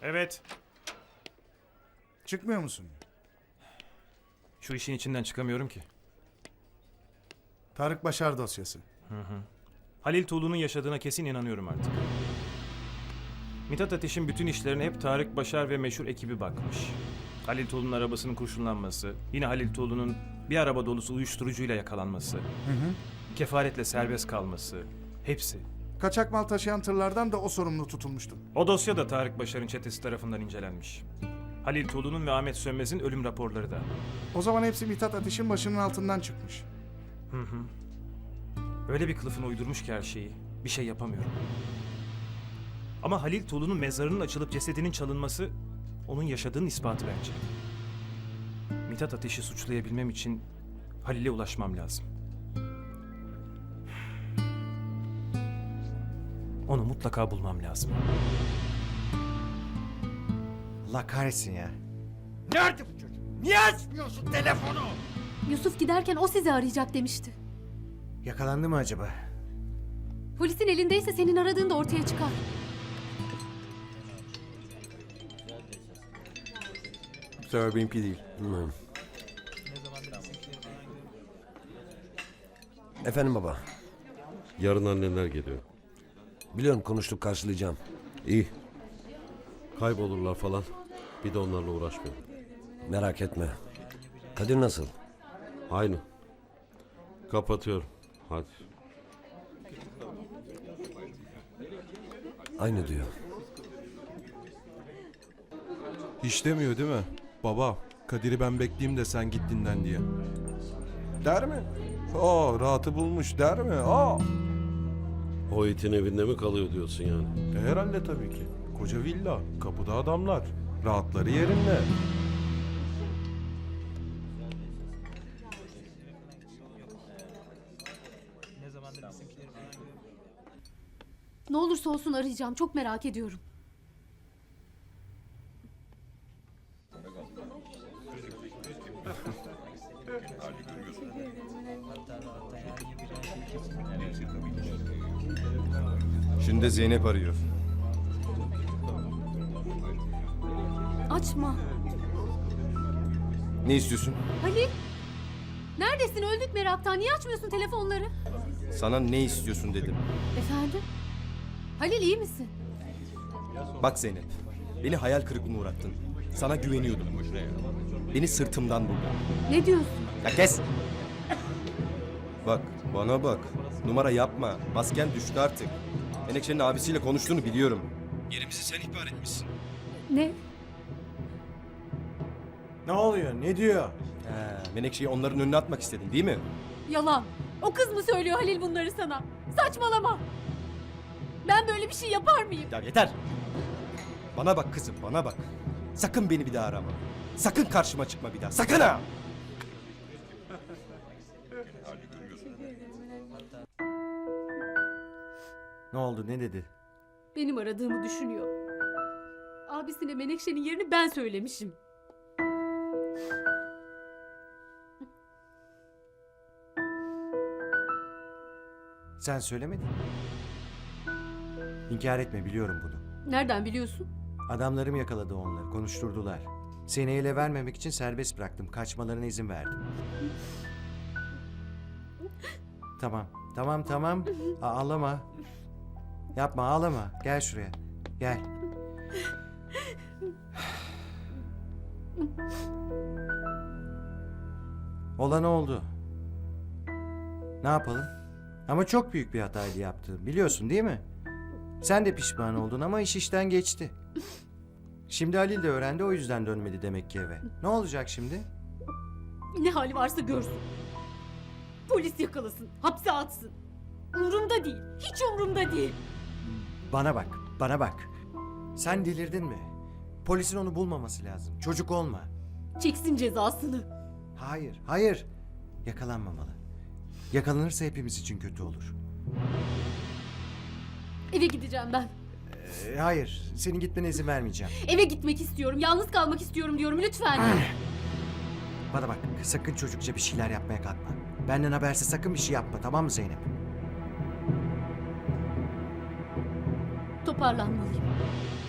Evet. Çıkmıyor musun? Şu işin içinden çıkamıyorum ki. Tarık Başar dosyası. Halil Tuğlu'nun yaşadığına kesin inanıyorum artık. Mithat Ateş'in bütün işlerine hep Tarık Başar ve meşhur ekibi bakmış. Halil Tuğlu'nun arabasının kurşunlanması, yine Halil Tuğlu'nun bir araba dolusu uyuşturucuyla yakalanması, kefaretle serbest kalması, hepsi. Kaçak mal taşıyan tırlardan da o sorumlu tutulmuştu. O dosya da Tarık Başar'ın çetesi tarafından incelenmiş. Halil Tuğlu'nun ve Ahmet Sönmez'in ölüm raporları da. O zaman hepsi Mithat Ateş'in başının altından çıkmış. Öyle bir kılıfını uydurmuş ki her şeyi. Bir şey yapamıyorum. Ama Halil Tuğlu'nun mezarının açılıp cesedinin çalınması onun yaşadığının ispatı bence. Mithat Ateş'i suçlayabilmem için Halil'e ulaşmam lazım. Onu mutlaka bulmam lazım. Allah kahretsin ya. Nerede bu çocuk? Niye açmıyorsun telefonu? Yusuf giderken o sizi arayacak demişti. Yakalandı mı acaba? Polisin elindeyse senin aradığın da ortaya çıkar. Bu sefer benimki değil. Efendim baba. Yarın anneler geliyor. Biliyorum, konuştuk, karşılayacağım. İyi. Kaybolurlar falan. Bir de onlarla uğraşmayalım. Merak etme. Kadir nasıl? Aynı. Kapatıyorum. Hadi. Aynı diyor. Hiç demiyor değil mi? Baba, Kadir'i ben bekleyeyim de sen git dinlen diye. Der mi? Rahatı bulmuş der mi? O itin evinde mi kalıyor diyorsun yani? Herhalde tabii ki. Koca villa, kapıda adamlar. Rahatları yerinde. Ne olursa olsun arayacağım. Çok merak ediyorum. Şimdi de Zeynep arıyor. Açma. Ne istiyorsun? Halil! Neredesin? Öldük meraktan. Niye açmıyorsun telefonları? Sana ne istiyorsun dedim. Efendim? Halil iyi misin? Bak Zeynep, beni hayal kırıklığına uğrattın. Sana güveniyordum. Beni sırtımdan vurdun. Ne diyorsun? Ya kes! Bak, bana bak. Numara yapma. Masken düştü artık. Menekşe'nin abisiyle konuştuğunu biliyorum. Yerimizi sen ihbar etmişsin. Ne? Ne oluyor? Ne diyor? Menekşe'yi onların önüne atmak istedin değil mi? Yalan. O kız mı söylüyor Halil bunları sana? Saçmalama. Ben böyle bir şey yapar mıyım? Ya yeter! Bana bak kızım, bana bak. Sakın beni bir daha arama. Sakın karşıma çıkma bir daha. Sakın ha! Ne oldu? Ne dedi? Benim aradığımı düşünüyor. Abisine Menekşe'nin yerini ben söylemişim. Sen söylemedin mi? İnkar etme, biliyorum bunu. Nereden biliyorsun? Adamlarım yakaladı onları, konuşturdular. Seni ele vermemek için serbest bıraktım. Kaçmalarına izin verdim. Tamam. Ağlama. Yapma, ağlama. Gel şuraya. Gel. Olan oldu. Ne yapalım? Ama çok büyük bir hataydı yaptığım. Biliyorsun değil mi? Sen de pişman oldun ama iş işten geçti. Şimdi Halil de öğrendi, o yüzden dönmedi demek ki eve. Ne olacak şimdi? Ne hali varsa görsün. Polis yakalasın, hapse atsın. Umrumda değil, hiç umrumda değil. Bana bak. Sen delirdin mi? Polisin onu bulmaması lazım. Çocuk olma. Çeksin cezasını. Hayır. Yakalanmamalı. Yakalanırsa hepimiz için kötü olur. Eve gideceğim ben. Hayır, senin gitmene izin vermeyeceğim. Eve gitmek istiyorum, yalnız kalmak istiyorum diyorum lütfen. Bana bak, sakın çocukça bir şeyler yapmaya kalkma. Benden habersiz sakın bir şey yapma, tamam mı Zeynep? Toparlanmalıyım.